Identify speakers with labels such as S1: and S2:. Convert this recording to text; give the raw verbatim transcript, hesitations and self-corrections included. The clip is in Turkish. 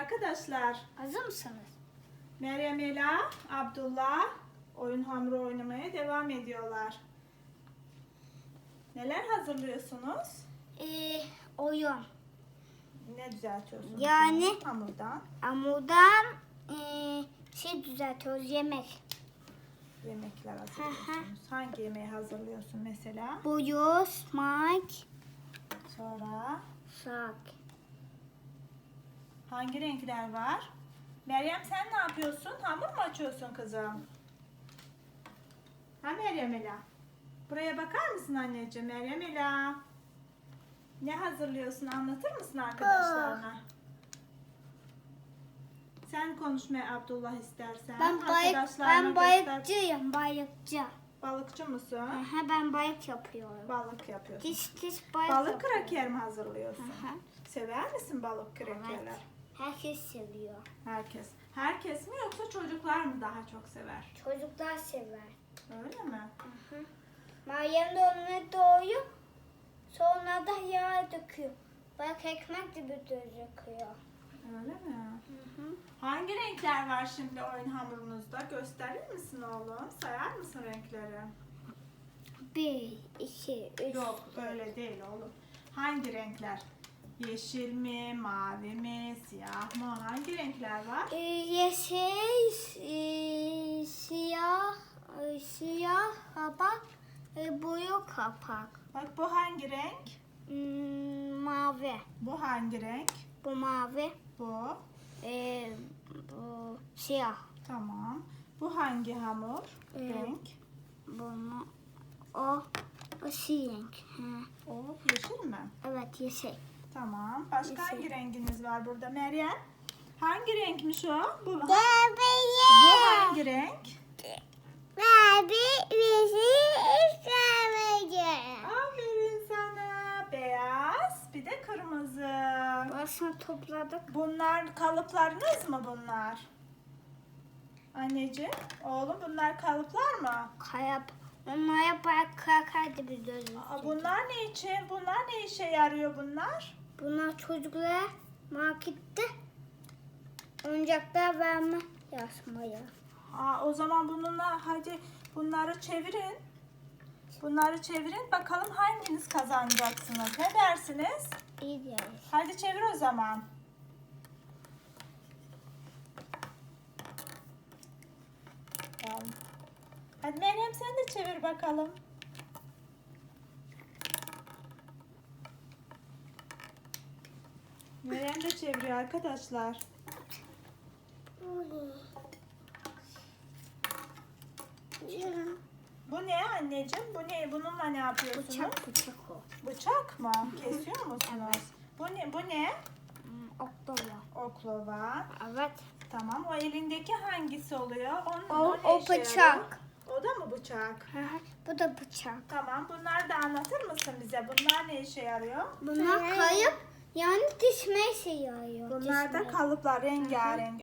S1: arkadaşlar.
S2: Hazır mısınız?
S1: Meryem Ela, Abdullah oyun hamuru oynamaya devam ediyorlar. Neler hazırlıyorsunuz?
S2: Ee, oyun.
S1: Ne düzeltiyorsunuz?
S2: Yani-
S1: şimdi hamurdan
S2: Hamurdan ee, şey düzeltiyoruz, yemek.
S1: yemekler hazırlıyorsunuz. Hangi yemeği hazırlıyorsun mesela?
S2: Buyur, smak,
S1: Sonra
S2: sak.
S1: hangi renkler var? Meryem sen ne yapıyorsun? Hamur mu açıyorsun kızım? Ha Meryem Ela? Buraya bakar mısın anneciğim? Meryem Ela. Ne hazırlıyorsun? Anlatır mısın arkadaşlarına? Sen konuşmaya Abdullah istersen.
S2: Ben balık,
S1: Arkadaşlarına
S2: ben
S1: göster.
S2: balıkçıyım, balıkçı.
S1: Balıkçı mısın?
S2: Aha, ben balık yapıyorum.
S1: Balık yapıyorsun.
S2: Diş diş balık
S1: Balık
S2: yapıyorum.
S1: kraker mi hazırlıyorsun?
S2: Aha.
S1: Sever misin balık krakerler?
S2: Evet. Herkes seviyor.
S1: Herkes. Herkes mi yoksa çocuklar mı daha çok sever?
S2: Çocuklar sever.
S1: Öyle mi?
S2: Hı. Meryem de onu doğuyor. Sonra da yağ döküyor. Bak ekmek gibi gözüküyor.
S1: Öyle mi?
S2: Hı hı.
S1: Hangi renkler var şimdi oyun hamurunuzda? Gösterir misin oğlum? Sayar mısın renkleri?
S2: Bir, iki, üç.
S1: Yok öyle değil oğlum. Hangi renkler? Yeşil mi, mavi mi, siyah mı? Hangi renkler var?
S2: Ee, yeşil, e, siyah, e, siyah kapak, e, boyu kapak.
S1: Bak bu hangi renk?
S2: Hmm, mavi.
S1: Bu hangi renk?
S2: Bu mavi.
S1: Bu.
S2: E, bu siyah.
S1: Tamam. Bu hangi hamur?
S2: Ee,
S1: Renk.
S2: Bunu o o siyah. Ha.
S1: O yeşil mi?
S2: Evet yeşil.
S1: Tamam. Başka
S2: Yeşil.
S1: hangi renginiz var burada Meryem? Hangi renkmiş o? Bu, bu
S2: Bebeğim.
S1: hangi renk?
S2: Mavi, yeşil, istemeyeceğim.
S1: Aferin sana. Beyaz, bir de kırmızı.
S2: Burasını topladık.
S1: Bunlar kalıplarınız mı bunlar? Anneciğim, oğlum bunlar kalıplar mı?
S2: Kayıp. Onlara bak kakaydı bir gözüm.
S1: Aa, bunlar ne için? Bunlar ne işe yarıyor bunlar?
S2: Bunlar çocuklara markette oyuncaklar verme yazmaya.
S1: Aa, o zaman bununla hadi bunları çevirin. Bunları çevirin. Bakalım hanginiz kazanacaksınız? Ne dersiniz?
S2: İyi deriz.
S1: Hadi çevir o zaman. Tamam. Hadi Meryem sen de çevir bakalım. Meryem de çeviriyor arkadaşlar. Bu ne anneciğim? Bu ne? Bununla ne yapıyorsunuz?
S2: Bıçak bıçak o.
S1: Bıçak mı? Kesiyor musunuz? Bu ne? Bu ne?
S2: Hmm, oklava.
S1: Oklava.
S2: Evet.
S1: Tamam. O elindeki hangisi oluyor? Onun,
S2: O,
S1: ne
S2: o
S1: işe
S2: bıçak.
S1: yarıyor? O da mı bıçak?
S2: Hı hı. Bu da bıçak.
S1: Tamam. Bunları da anlatır mısın bize? Bunlar ne işe yarıyor?
S2: Bunlar kayıp yani dişmeye şey yarıyor.
S1: Bunlar da
S2: Dişmeye.
S1: kalıplar rengarenk.